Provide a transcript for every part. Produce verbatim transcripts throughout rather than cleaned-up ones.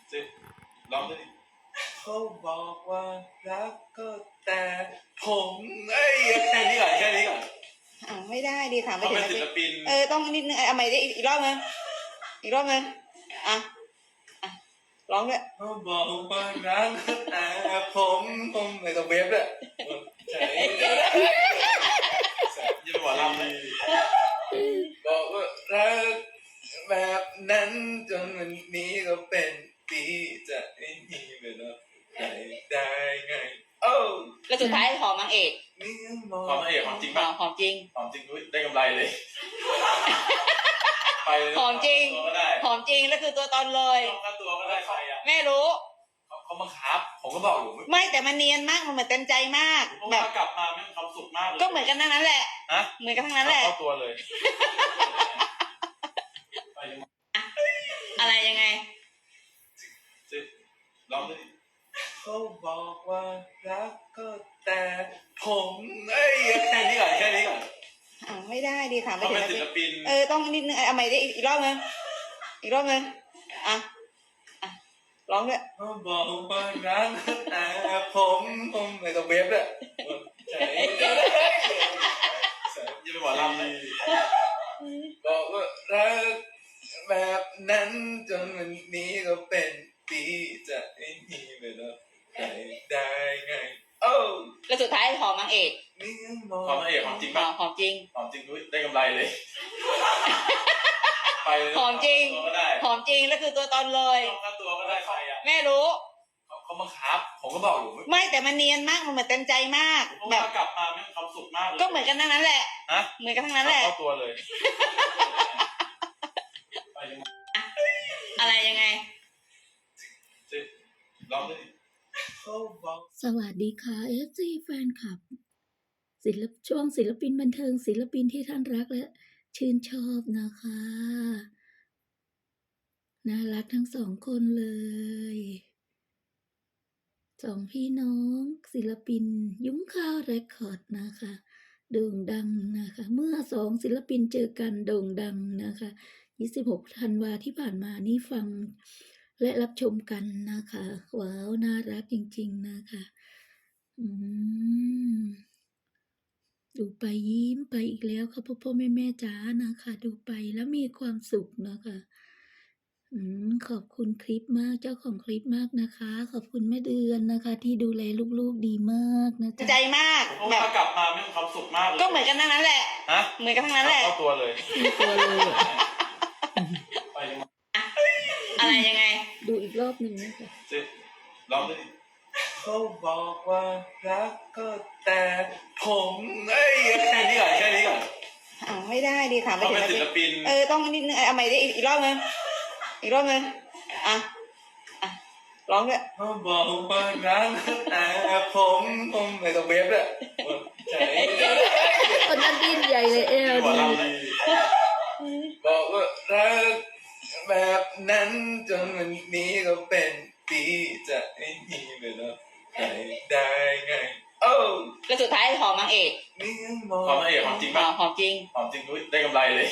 สิร้องดิเขาบอกว่ารักก็แต่ผมเอ้ยแค่นี้ก่อนแค่นี้ก่อนอ่าไม่ได้ดีถามไปเขาถึเป็งนศิลปินเออต้องนิดนึงเอาใหม่ได้อีกรอบนึงอีกรอบนึงอ่ะอ่ะร้องด้วยเขาบอกว่ารักก็แต่ผมผมไม่ต้องเวฟเลยใช่ยิ่งกว่าลำเลยบอกว่ารักแบบนั้นจนวันนี้ก็เป็นปีจะไม่มีเวลาใครได้ไงโอ้แล้วสุดท้ายหอมนางเอกหอมนางเอกหอมจริงป่ะหอมจริงหอมจริงด้วยได้กำไรเลยไปเลยหอมจริงก็ได้หอมจริงแล้วคือตัวตนเลยค่าตัวก็ได้ใครอ่ะแม่รู้เขาเขาบังคับผมก็บอกอยู่ไม่แต่มันเนียนมากมันเหมือนเต็มใจมากเพราะแบว่าบกลับมาแม่งความสุขมากเลยก็เหมือนกันทั้งนั้นแหละฮะเหมือนกันทั้งนั้นแหละเข้าตัวเลยอะไรยังไงสิร้องดิเขาบอกว่ารักก็แต่ผมเอ้ยแค่นี้ก่อนแค่นี้ก่อนอ่าไม่ได้ดีถามไปเขาถึเป็นงศิลปินเออต้องนิดนึงเอาใหม่ได้อีกรอบนึงอีกรอบนึงอ่ะอ่ะร้องด้วยเขาบอกว่ารักก็แต่ผมผมไม่ต้องเวฟเลยใช่ยิ่งกว่าลำเลยบอกว่ารักแบบนั้นจนวันนี้ก็เป็นปีจะไม่มีเวลาใครได้ไงโอ้แล้วสุดท้ายหอมนางเอกหอมนางเอกหอมจริงป่ะหอมจริงหอมจริงด้วยได้กำไรเลยไปเลยหอมจริงก็ได้หอมจริงแล้วคือตัวตนเลยค่าตัวก็ได้ใครอ่ะแม่รู้เขาเขาบังคับผมก็บอกอยู่ไม่แต่มันเนียนมากมันเหมือนเต็มใจมากเพราะแบว่าบกลับมาแม่งความสุขมากเลยก็เหมือนกันทั้งนั้นแหละฮะเหมือนกันทั้งนั้นแหละเข้าตัวเลยไปเลยอะไรยังไงสิร้องดิเขาบอกสวัสดีค่ะ เอฟ ซี แฟนคลับ ศิลปช่วงศิลปินบันเทิงศิลปินที่ท่านรักและชื่นชอบนะคะ น่ารักทั้งสองคนเลย สองพี่น้องศิลปินยุ้งข้าวเรคคอร์ดนะคะโด่งดังนะคะ เมื่อสองศิลปินเจอกันโด่งดังนะคะยี่สิบหกธันวาที่ผ่านมานี่ฟังและรับชมกันนะคะว้าวน่ารักจริงๆนะคะอืมดูไปยิ้มไปอีกแล้วค่ะพ่อพ่อแม่แม่จ๋านะคะ ดูไปแล้วมีความสุขนะคะอืมขอบคุณคลิปมากเจ้าของคลิปมากนะคะ ขอบคุณแม่เดือนนะคะ ที่ดูแลลูกๆดีมากนะใจจ๊ะมากเพราะแบว่าบกลับมาแม่งความสุขมากเลยก็เหมือนกันทั้งนั้นแหละฮะเหมือนกันทั้งนั้นแหละเข้าตัวเลยมีตัวเลยอะไปเลยอะไรยังไงดูอีกรอบหนึ่งนะคะสิร้องดิเขาบอกว่ารักก็แต่ผมเอ้ยแค่นี้ก่อนแค่นี้ก่อนอ่าไม่ได้ดีถามไปเขาถึเป็นงศิลปินเออต้องนิดนึงเอาใหม่ได้อีกรอบนึงอีกรอบนึงอ่ะอ่ะร้องด้วยเขาบอกว่ารักก็แต่ผมผมไม่ต้องเวฟเลยใช่คนนั้นดิ้นใหญ่เลยเอลยิ่งกว่าดีลำเลยบอกว่ารักแบบนั้นจนวันนี้ก็เป็นปีจะไม่มีเวลาใครได้ไงโอ้แล้วสุดท้ายหอมนางเอกหอมนางเอกหอมจริงป่ะหอมจริงหอมจริงด้วยได้กำไรเลย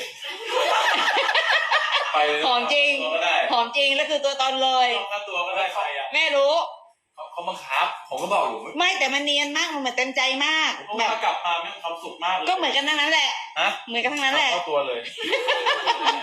ไปเลยหอมจริงก็ได้หอมจริงแล้วคือตัวตนเลยค่าตัวก็ได้ใครอ่ะแม่รู้เขาเขาบังคับผมก็บอกอยู่ไม่แต่มันเนียนมากมันเหมือนเต็มใจมากเพราะแบว่าบกลับมาแม่งความสุขมากเลยก็เหมือนกันทั้งนั้นแหละฮะเหมือนกันทั้งนั้นแหละเข้าตัวเลย